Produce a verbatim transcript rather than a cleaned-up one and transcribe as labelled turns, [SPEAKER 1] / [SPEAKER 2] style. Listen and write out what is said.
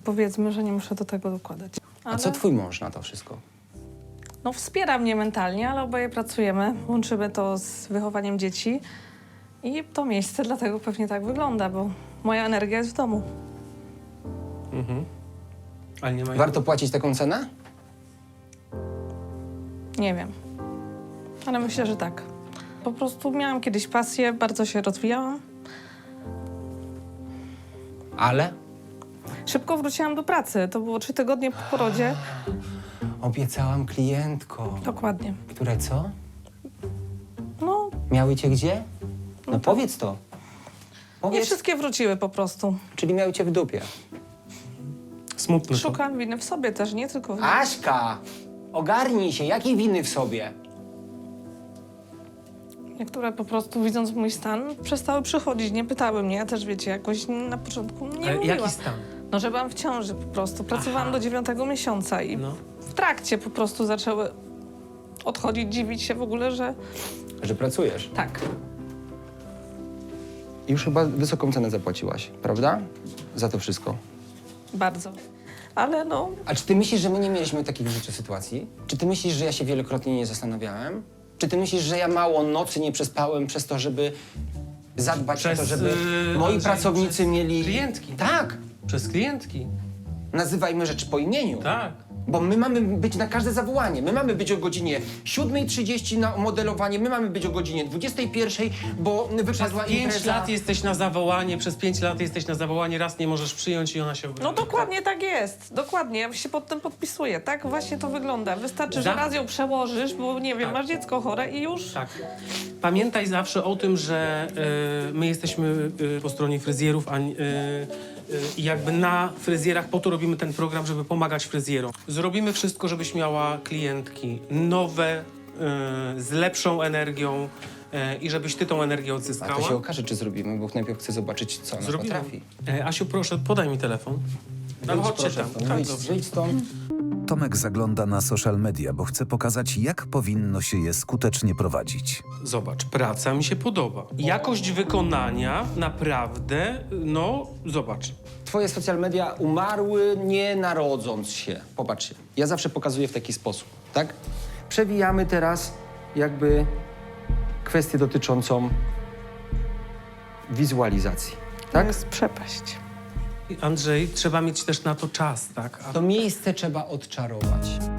[SPEAKER 1] powiedzmy, że nie muszę do tego dokładać.
[SPEAKER 2] A
[SPEAKER 1] Ale,
[SPEAKER 2] co twój mąż na to wszystko?
[SPEAKER 1] no wspiera mnie mentalnie, ale oboje pracujemy, łączymy to z wychowaniem dzieci i to miejsce dlatego pewnie tak wygląda, bo moja energia jest w domu.
[SPEAKER 3] Mhm. Ale nie ma...
[SPEAKER 2] Warto płacić taką cenę?
[SPEAKER 1] Nie wiem, ale myślę, że tak. Po prostu miałam kiedyś pasję, bardzo się rozwijałam.
[SPEAKER 2] Ale?
[SPEAKER 1] Szybko wróciłam do pracy, to było trzy tygodnie po porodzie.
[SPEAKER 2] Obiecałam klientkom.
[SPEAKER 1] Dokładnie.
[SPEAKER 2] Które co?
[SPEAKER 1] No,
[SPEAKER 2] Miały cię gdzie? No,
[SPEAKER 1] tak.
[SPEAKER 2] powiedz to.
[SPEAKER 1] nie
[SPEAKER 2] Powiedz.
[SPEAKER 1] wszystkie wróciły po prostu.
[SPEAKER 2] Czyli miały cię w dupie.
[SPEAKER 3] Smutne to.
[SPEAKER 1] Szukam winy w sobie też, nie tylko w nim.
[SPEAKER 2] Aśka! Ogarnij się, jakiej winy w sobie?
[SPEAKER 1] Niektóre po prostu, widząc mój stan, przestały przychodzić, nie pytały mnie. Ja też, wiecie, jakoś na początku nie
[SPEAKER 3] Ale
[SPEAKER 1] mówiła.
[SPEAKER 3] jaki stan?
[SPEAKER 1] No, że byłam w ciąży po prostu. Pracowałam
[SPEAKER 3] Aha.
[SPEAKER 1] do dziewiątego miesiąca i
[SPEAKER 3] No.
[SPEAKER 1] w trakcie po prostu zaczęły odchodzić, dziwić się w ogóle, że
[SPEAKER 2] Że pracujesz.
[SPEAKER 1] tak.
[SPEAKER 2] Już chyba wysoką cenę zapłaciłaś, prawda? Za to wszystko.
[SPEAKER 1] Bardzo. Ale no,
[SPEAKER 2] A czy ty myślisz, że my nie mieliśmy takich w życiu sytuacji? Czy ty myślisz, że ja się wielokrotnie nie zastanawiałem? Czy ty myślisz, że ja mało nocy nie przespałem przez to, żeby zadbać
[SPEAKER 3] Przez,
[SPEAKER 2] o to, żeby
[SPEAKER 3] yy,
[SPEAKER 2] moi
[SPEAKER 3] Andrzej,
[SPEAKER 2] pracownicy
[SPEAKER 3] przez
[SPEAKER 2] mieli...
[SPEAKER 3] klientki.
[SPEAKER 2] Tak!
[SPEAKER 3] Przez klientki.
[SPEAKER 2] Nazywajmy rzeczy po imieniu.
[SPEAKER 3] Tak.
[SPEAKER 2] Bo my mamy być na każde zawołanie. My mamy być o godzinie siódmej trzydzieści na modelowanie, my mamy być o godzinie dwudziestej pierwszej, bo
[SPEAKER 3] Przez
[SPEAKER 2] wypadła
[SPEAKER 3] pięć
[SPEAKER 2] impreza.
[SPEAKER 3] lat jesteś na zawołanie, przez pięć lat jesteś na zawołanie, raz nie możesz przyjąć i ona się...
[SPEAKER 1] no dokładnie tak jest. Dokładnie. Ja się pod tym podpisuję. Tak właśnie to wygląda. Wystarczy, że
[SPEAKER 3] Za-
[SPEAKER 1] raz ją przełożysz, bo nie wiem,
[SPEAKER 3] Tak.
[SPEAKER 1] masz dziecko chore i już...
[SPEAKER 3] Tak. Pamiętaj zawsze o tym, że y, my jesteśmy y, po stronie fryzjerów, a y, i jakby na fryzjerach po to robimy ten program, żeby pomagać fryzjerom. Zrobimy wszystko, żebyś miała klientki nowe, y, z lepszą energią y, i żebyś ty tą energię
[SPEAKER 2] A
[SPEAKER 3] odzyskała.
[SPEAKER 2] to się okaże, czy zrobimy, bo najpierw chcę zobaczyć, co ona
[SPEAKER 3] Zrobimy.
[SPEAKER 2] potrafi.
[SPEAKER 3] E, Asiu, proszę, podaj mi telefon. No,
[SPEAKER 2] Wyjdź,
[SPEAKER 3] chodźcie
[SPEAKER 2] proszę
[SPEAKER 3] tam.
[SPEAKER 2] stąd,
[SPEAKER 3] Tak,
[SPEAKER 2] wyjdź,
[SPEAKER 3] dobrze.
[SPEAKER 2] wyjdź stąd.
[SPEAKER 4] Tomek zagląda na social media, bo chce pokazać, jak powinno się je skutecznie prowadzić.
[SPEAKER 3] Zobacz, praca mi się podoba. Jakość wykonania naprawdę, no, zobacz.
[SPEAKER 2] Twoje social media umarły nie narodząc się. Popatrzcie, ja zawsze pokazuję w taki sposób, tak? Przewijamy teraz jakby kwestię dotyczącą wizualizacji,
[SPEAKER 1] To
[SPEAKER 2] tak?
[SPEAKER 1] jest przepaść.
[SPEAKER 3] Andrzej, trzeba mieć też na to czas, tak? A
[SPEAKER 2] To miejsce trzeba odczarować.